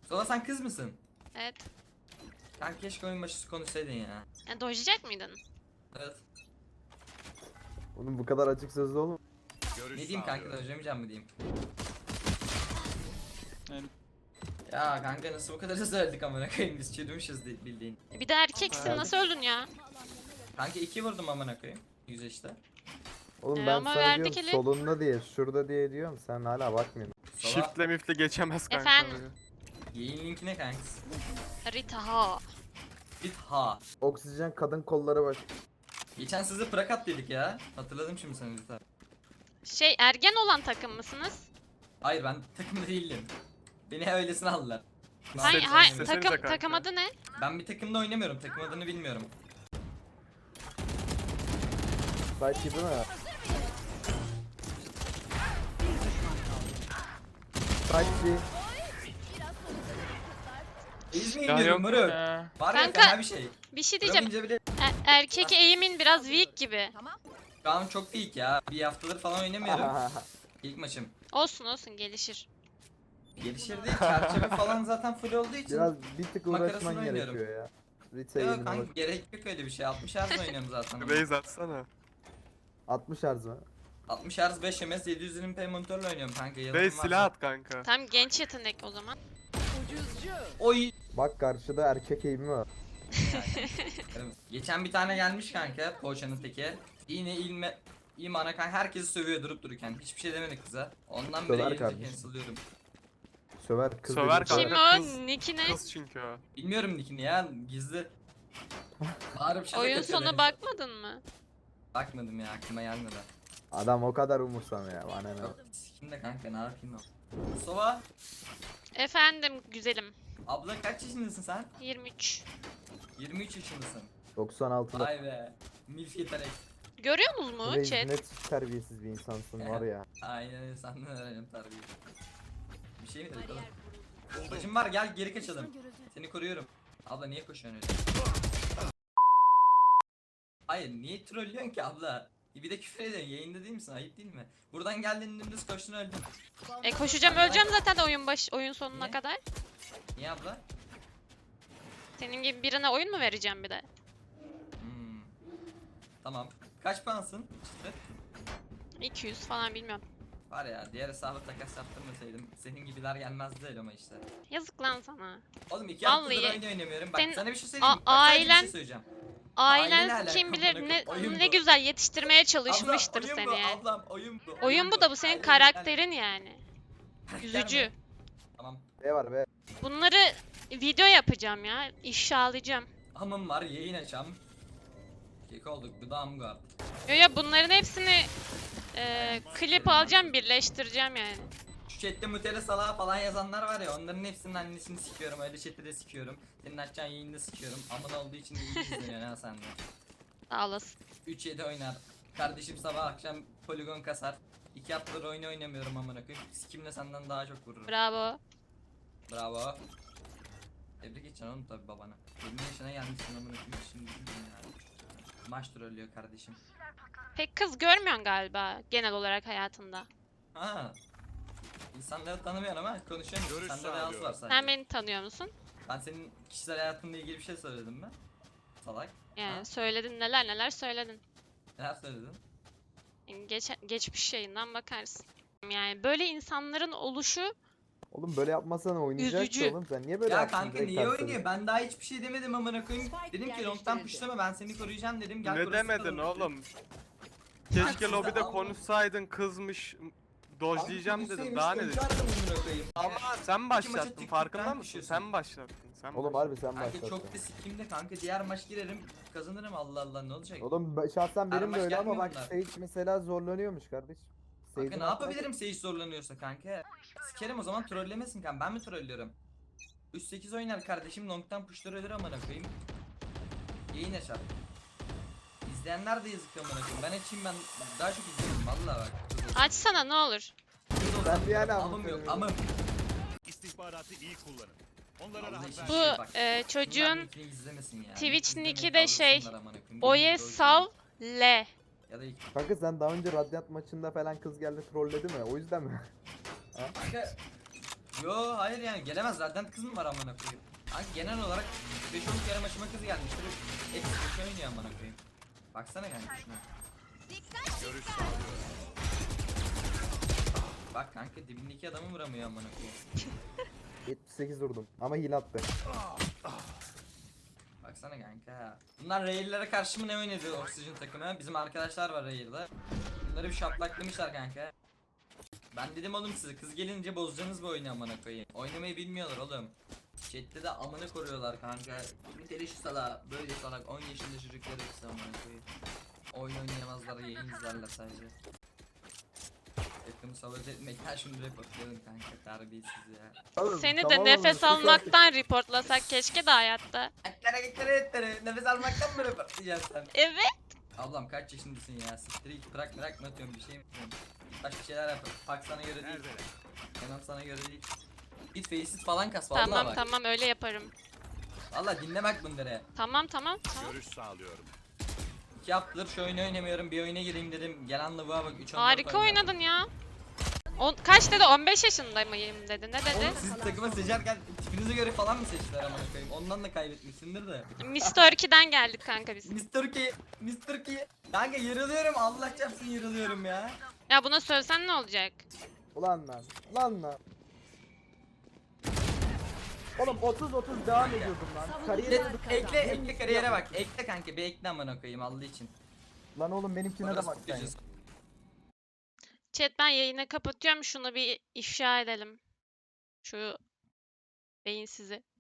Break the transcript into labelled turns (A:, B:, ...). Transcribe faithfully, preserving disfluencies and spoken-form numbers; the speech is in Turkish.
A: Sola sen kız mısın?
B: Evet.
A: Kanka keşke oyun başı konuşsaydın ya.
B: Yani dojlayacak mıydın?
A: Evet.
C: Oğlum bu kadar açık sözlü olur mu?
A: Ne diyeyim kanka da özlemeyeceğim mi diyeyim?
D: Yani
A: Ya kanka nasıl bu kadar hızlı öldük amına koyayım biz çürümüşüz de- bildiğin.
B: Bir de erkeksin,
D: Evet.
B: nasıl öldün ya?
A: Kanka iki vurdum amına koyayım. Yüz işte.
C: Oğlum
B: Ee,
C: ben
B: ama
C: sana
B: verdik
C: diyorum
B: eli.
C: solunda diye, şurada diye diyorum. Sen hala bakmıyorsun.
A: Sola.
D: shiftle miftle geçemez kanka.
B: Efendim?
A: Yayın linkine kanka.
B: Rita ha.
A: Git ha.
C: Oksijen kadın kolları baş.
A: Geçen sizi prakat dedik ya. Hatırladım şimdi seni lütfen.
B: Şey, ergen olan takım mısınız?
A: Hayır ben takımda değildim. Beni öylesine aldılar.
B: Hangi,
D: İstesenize
B: hangi
D: kanka.
B: takım takım adı ne?
A: Ben bir takımda oynamıyorum. Takım adını bilmiyorum.
C: Belki değil mi? Belki.
A: İzmir'in
D: Ya
A: diyorum
D: yok
A: Mırık.
D: ya.
A: Var ya
B: Kanka,
A: fena bir şey.
B: Bir şey diyeceğim.
A: Vuramayınca bile
B: Er- erkek eğimin biraz weak gibi.
A: şu an çok değil ya. Bir haftadır falan oynamıyorum. İlk maçım.
B: Olsun olsun, gelişir.
A: Gelişir değil. Çerçeve falan zaten full olduğu için.
C: Biraz bir tık
A: Makarasını
C: uğraşman
A: oynuyorum.
C: gerekiyor ya. Rita
A: Yok
C: eğimine
A: kanka
C: bak.
A: gerek yok öyle bir şey. altmış Hz oynuyorum zaten.
D: Base atsana.
C: altmış arz mı?
A: altmış Hz beş M S yedi yüz yirmi p monitörle oynuyorum kanka. yalanım
D: Base
A: varsa.
D: silah at kanka.
B: Tam genç yetenek o zaman.
A: Oy.
C: Bak karşıda erkek eğimi var.
A: Geçen bir tane gelmiş kanka. Poğaçanın teki. Yine ilme imana kanka herkesi sövüyor durup dururken. Hiçbir şey demedi kıza. Ondan beri
C: Söver
A: yayıncı
C: kardeşim.
A: cancel'lıyorum.
C: Söver kız.
D: Söver
C: dediğin
B: Kim
D: kanka.
B: o?
D: kız-
B: Nick'i ne?
D: Kız çünkü o.
A: Bilmiyorum nickini ya gizli. Bağırıp şaka
B: Oyun
A: yapıyor
B: sonu
A: benim.
B: bakmadın mı?
A: Bakmadım ya aklıma gelmedi.
C: Adam o kadar umursamıyor ya. Bana ne?
A: Yok sikim de kanka ne yapayım o. Sova.
B: Efendim güzelim.
A: Abla kaç yaşındasın sen?
B: yirmi üç.
A: yirmi üç yaşındasın.
C: doksan altıda.
A: Vay be. Milf yetenek.
B: Görüyorsunuz mu
C: Reis
B: chat?
C: net terbiyesiz bir insansın var ya.
A: Aynen öyle senden öğrendim terbiye. Bir şey mi dedik oğlum? Başım var gel geri kaçalım. Seni koruyorum. Abla niye koşuyorsun öyle? Hayır niye trollüyorsun ki abla? Bir de küfür ediyorsun yayında değil misin? Ayıp değil mi? Buradan geldin dümdüz koştun öldün.
B: E koşacağım, öleceğim zaten de oyun baş oyun sonuna
A: Niye?
B: kadar.
A: Niye abla?
B: Senin gibi birine oyun mu vereceğim bir de?
A: Hmm. Tamam. Kaç puansın? İşte.
B: iki yüz falan bilmiyorum.
A: Var ya diğer hesabı takas yaptırmasaydım senin gibiler gelmezdi öyle ama işte.
B: Yazık lan sana.
A: Oğlum iki haftadır
B: Vallahi
A: oyun oynamıyorum. Bak
B: senin
A: sana bir şey söyleyeyim.
B: a-
A: Bak sadece bir
B: ailen-
A: şey söyleyeceğim.
B: Ailen
A: Aileyle
B: kim bilir
A: alakalı
B: ne
A: oyun
B: ne
A: bu.
B: güzel yetiştirmeye
A: Ablam,
B: çalışmıştır
A: oyun
B: seni
A: bu,
B: yani.
A: Ablam oyun bu.
B: Oyun bu da bu senin
A: Aileyle
B: karakterin yani.
A: Karakter
B: Üzücü.
A: mi? Tamam.
C: Ne var be?
B: Bunları video yapacağım ya. İfşalayacağım.
A: Hamım var yayın açam. Kek olduk gıdam guard.
B: Yo ya bunların hepsini e, klip alacağım, birleştireceğim yani.
A: Şu chatte mutele salağı falan yazanlar var ya onların hepsinin annesini sikiyorum öyle chatte de sikiyorum. Senin açacağın yayında sikiyorum. Amın olduğu için de iyi izleniyor ha sende.
B: Sağ olasın.
A: üç yedi oynar. Kardeşim sabah akşam poligon kasar. iki haftadır oyun oynamıyorum amına koyayım. Sikimle senden daha çok vururum.
B: Bravo.
A: Bravo. Tebrik edeceksin oğlum tabi babana. yirmi yaşına gelmişsin amına koyayım şimdi bilmiyorum yani. Maç trollüyor kardeşim.
B: Pek kız görmüyorsun galiba genel olarak hayatında.
A: Ha. İnsanları tanımıyorsun ama konuşuyorsun.
E: Görüş
A: Sende reals var
E: sağlıyorum.
A: sadece.
B: Sen beni tanıyor musun?
A: Ben senin kişisel hayatınla ilgili bir şey söyledim mi? Salak.
B: Yani
A: Ha?
B: söyledin, neler neler söyledin.
A: Neler söyledin?
B: Yani geç, geçmiş yayından bakarsın. Yani böyle insanların oluşu
C: Oğlum böyle yapmasana oynayacaksın
B: Üzücü.
C: oğlum. Sen niye böyle
A: Ya
C: yaptın?
A: kanka
C: Direkt
A: niye
C: tersledin.
A: oynuyor? Ben daha hiçbir şey demedim amına koyayım. Dedim ki longtan pushlama ben seni koruyacağım dedim. Gel
D: Ne
A: korusun
D: demedin
A: adamı.
D: oğlum?
A: Ben
D: Keşke
A: size
D: lobide
A: almadım.
D: konuşsaydın, kızmış, dojlayacağım dedim. Daha ne dedim?
A: dedim?
D: Ama sen
A: maça
D: başlattın,
A: tık
D: farkında
A: tıktan
D: mısın?
A: düşüyorsun.
D: Sen başlattın. Sen
C: Oğlum
D: başlattın.
C: harbi sen
A: Kanka
C: başlattın.
A: çok da sikimde kanka diğer maç girerim kazanırım Allah Allah ne olacak?
C: Oğlum ben- şahsen benim de
A: Armaş
C: öyle ama
A: gelmiyor
C: bak
A: bunlar.
C: Sage mesela zorlanıyormuş kardeş.
A: Kanka
C: Sage'in
A: ne
C: altına-
A: yapabilirim Sage zorlanıyorsa kanka? Sikerim o zaman trollemesin kanka ben mi trollüyorum? üç sekiz oynar kardeşim longtan pushlar ölür amına koyayım. Yayın açar. İzleyenler de yazık amına koyayım. Ben açayım ben daha çok izliyorum vallahi bak.
B: açsana ne olur.
C: Ben bir hala
A: Amım yok
C: anlatamıyorum.
A: amım.
E: İstihbaratı iyi kullanın. Onlara
A: Vallahi
E: rahat
A: hiç-
E: ver.
B: Bu
A: bak,
B: e,
A: Bunlar
B: çocuğun
A: nickini izlemesin ya.
B: Twitch
A: İzlemeyin,
B: nicki de şey,
A: kavrulsunlar amına koyayım.
B: Oye
A: Benim de
B: Sav L.
A: Ya da ilk.
C: Kanka sen daha önce Radiant maçında falan kız geldi trolledi mi? O yüzden mi?
A: Kanka Yo hayır yani gelemez zaten kız mı var amına koyayım. Kanka genel olarak beş on kere maçıma kız gelmiştir. Hepsi kötü oynuyor amına koyayım. Baksana kanka şuna.
E: Görüş sağlıyorum.
A: Bak kanka dibindeki adamı vuramıyor amına koyayım.
C: yetmiş sekiz vurdum ama hile attı.
A: Baksana kanka. Bunlar Rail'lere karşı mı ne oynadı Oxygen takımı? Bizim arkadaşlar var Rail'de. Bunları bir şaplaklamışlar kanka. Ben dedim oğlum size kız gelince bozacaksınız bu oyunu amına koyayım. Oynamayı bilmiyorlar oğlum. Chat'te de amını koruyorlar kanka. Niteli şu salak, böyle salak, on yaşında çocuklar hepsi amına koyayım. Oyun oynayamazlar, yayın izlerler sadece. Takımı sabote etmekten şunu reportlayalım kanka, terbiyesiz ya.
C: Oğlum,
B: Seni de
C: tamam
B: nefes
C: oğlum, sus
B: almaktan reportlasak keşke de hayatta.
A: Eklere eklere eklere, nefes almaktan mı reportlayacaksın sen?
B: Evet.
A: Ablam kaç yaşındasın ya? Siktir git bırak merak mı atıyorum bir şey mi yapıyorum? Başka şeyler yap. Pak sana göre değil.
E: Nerede?
A: Kenan sana göre değil. Git faces falan kas vallahi
B: Tamam
A: bak.
B: tamam öyle yaparım.
A: Valla dinlemek bunları.
B: Tamam tamam tamam.
E: Görüş sağlıyorum.
A: İki haftadır şu oyunu oynamıyorum. Bir oyuna gireyim dedim. Gelen lavuğa bak. üç
B: Harika oynadın ya. On, kaç dedi? on beş yaşında mıyım dedi. Ne dedi?
A: Oğlum siz takıma seçerken tipinize göre falan mı seçtiler amına koyayım? Ondan da kaybetmişsindir de.
B: mister iki'den geldik kanka biz.
A: mister K, mister K. Kanka yarılıyorum. Allah çarpsın yarılıyorum ya.
B: Ya buna sövsen ne olacak?
C: Ulan lan. Ulan lan. Oğlum otuz otuz devam ediyordum lan. Kariyer
A: Ekle, ekle, ekle kariyere bak. Ekle kanka. Bir ekle amına koyayım Allah için.
C: Lan oğlum benimkine de
A: Orası
C: bak sen.
A: gecesi.
B: Chat ben yayını kapatıyorum. Şunu bir ifşa edelim. Şu beyinsizi.